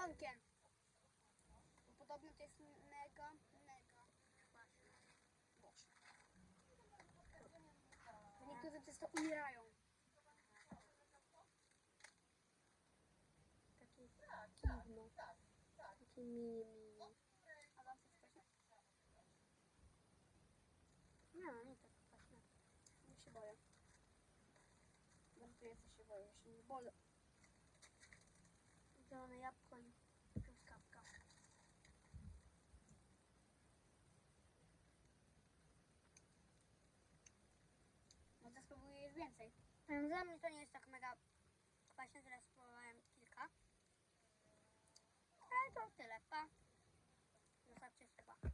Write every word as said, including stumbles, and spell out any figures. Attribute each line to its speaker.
Speaker 1: szamponkiem. Bo podobno to jest mega, mega kwaśne. Boże. Niektórzy przez to umierają.
Speaker 2: Takie dziwno. Takie mini, mini.
Speaker 1: A wam coś kwaśne?
Speaker 2: Nie, nie tak kwaśne.
Speaker 1: Nie się boję. Bo tu jest, się boję, ja się nie boję.
Speaker 2: Zielone jabłko i truskawka.
Speaker 1: No to spróbuję jeść więcej.
Speaker 2: Dla mnie to nie jest tak mega kwaśne, teraz spróbowałem kilka. Ale to tyle, pa. Zostawcie suba.